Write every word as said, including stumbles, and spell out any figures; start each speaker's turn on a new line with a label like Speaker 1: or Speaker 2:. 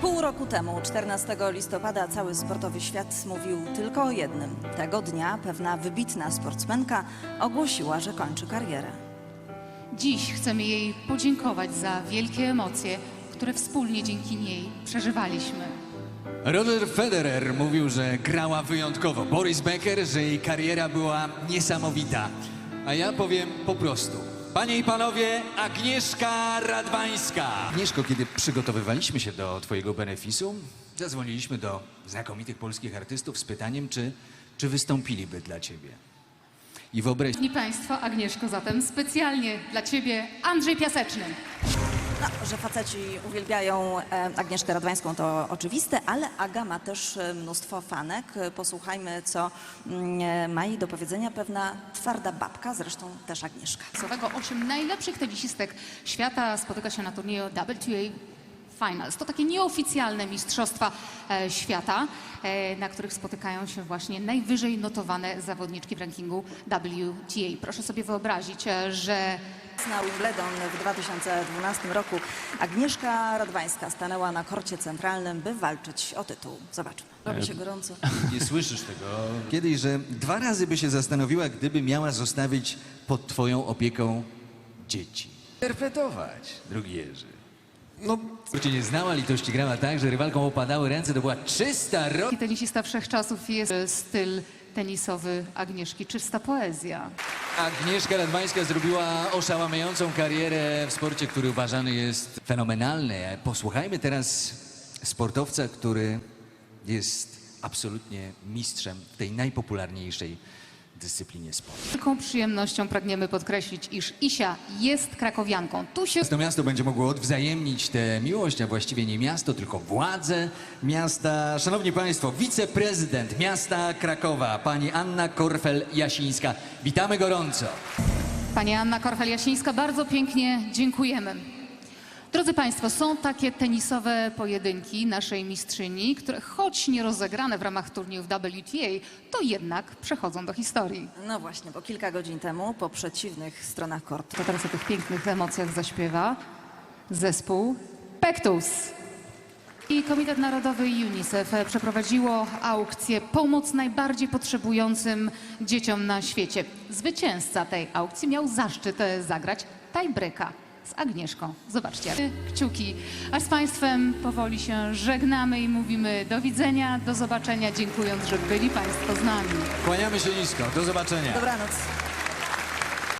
Speaker 1: Pół roku temu, czternastego listopada, cały sportowy świat mówił tylko o jednym. Tego dnia pewna wybitna sportsmenka ogłosiła, że kończy karierę.
Speaker 2: Dziś chcemy jej podziękować za wielkie emocje, które wspólnie dzięki niej przeżywaliśmy.
Speaker 3: Roger Federer mówił, że grała wyjątkowo. Boris Becker, że jej kariera była niesamowita. A ja powiem po prostu. Panie i panowie, Agnieszka Radwańska. Agnieszko, kiedy przygotowywaliśmy się do twojego benefisu, zadzwoniliśmy do znakomitych polskich artystów z pytaniem, czy, czy wystąpiliby dla ciebie. I wyobraź...
Speaker 2: Szanowni Państwo, Agnieszko, zatem specjalnie dla Ciebie Andrzej Piaseczny.
Speaker 1: No, że faceci uwielbiają e, Agnieszkę Radwańską, to oczywiste, ale Aga ma też e, mnóstwo fanek. E, Posłuchajmy, co mm, ma jej do powiedzenia pewna twarda babka, zresztą też Agnieszka.
Speaker 2: Osiem najlepszych tenisistek świata spotyka się na turnieju W T A Finals. To takie nieoficjalne mistrzostwa e, świata, e, na których spotykają się właśnie najwyżej notowane zawodniczki w rankingu W T A. Proszę sobie wyobrazić, e, że
Speaker 1: Na Wimbledon w dwa tysiące dwunastym roku Agnieszka Radwańska stanęła na korcie centralnym, by walczyć o tytuł. Zobaczmy. Robi się gorąco.
Speaker 3: Nie słyszysz tego kiedyś, że dwa razy by się zastanowiła, gdyby miała zostawić pod twoją opieką dzieci. Interpretować, drogi Jerzy. No, cię nie znała, litości grała tak, że rywalkom opadały ręce, to była czysta ro...
Speaker 2: taki tenisista wszechczasów jest e, styl tenisowy Agnieszki, czysta poezja.
Speaker 3: Agnieszka Radwańska zrobiła oszałamiającą karierę w sporcie, który uważany jest fenomenalny. Posłuchajmy teraz sportowca, który jest absolutnie mistrzem w tej najpopularniejszej dyscyplinie sportu.
Speaker 2: Z wielką przyjemnością pragniemy podkreślić, iż Isia jest krakowianką. Tu się
Speaker 3: To miasto będzie mogło odwzajemnić tę miłość, a właściwie nie miasto, tylko władze miasta. Szanowni Państwo, wiceprezydent miasta Krakowa, pani Anna Korfel-Jasińska. Witamy gorąco.
Speaker 2: Pani Anna Korfel-Jasińska, bardzo pięknie dziękujemy. Drodzy Państwo, są takie tenisowe pojedynki naszej mistrzyni, które choć nie rozegrane w ramach turnieju w W T A, to jednak przechodzą do historii.
Speaker 1: No właśnie, bo kilka godzin temu po przeciwnych stronach kortu.
Speaker 2: To teraz o tych pięknych emocjach zaśpiewa zespół Pektus. I Komitet Narodowy i UNICEF przeprowadziło aukcję Pomoc najbardziej potrzebującym dzieciom na świecie. Zwycięzca tej aukcji miał zaszczyt zagrać tiebreaka z Agnieszką. Zobaczcie, kciuki. A z Państwem powoli się żegnamy i mówimy do widzenia, do zobaczenia, dziękując, że byli Państwo z nami.
Speaker 3: Kłaniamy się nisko. Do zobaczenia.
Speaker 1: Dobranoc.